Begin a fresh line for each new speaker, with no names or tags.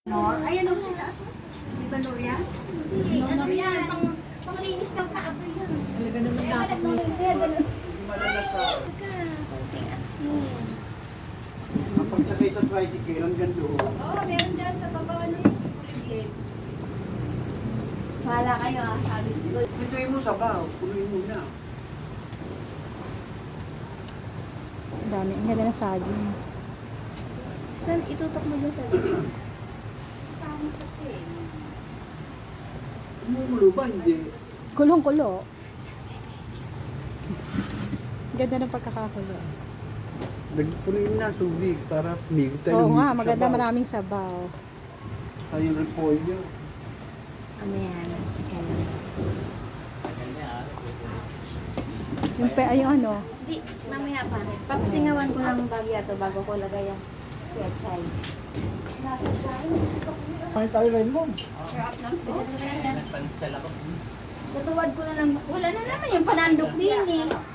Nor? Ayan ang sitaas. Di ba Nor yan? Hindi, ano yan? Panglinis ng paa ko yan.
Talaga naman dapat mo.
Hindi madalas sa
Kunting asin.
kapag sakay sa tricycle, hanggang doon.
Oo, meron dyan sa baba ano yung kuligid. Wala kayo ah, sabi ko siguro.
Pintuin mo sabaw, punuin mo na.
Ang dami. Ang ganda ng saging.
Basta itutok mo dyan sa loob. Tama kasi.
Umuulo ba? Hindi.
Kulong-kulo. Ganda ng pagkakakulo.
Nagpunuin na subig para migo tayo.
Oo
ng
nga,
migo
maganda
sabaw.
maraming sabaw.
Tayo ng polio.
Ano yan? Teka lang.
Yung ano,
Di, mamaya pa. Papasingawan ko lang bagya to bago ko lagay ang pechay.
Pakita tayo rin mo.
Natuwad ko na lang. Wala na naman yung panandok din eh.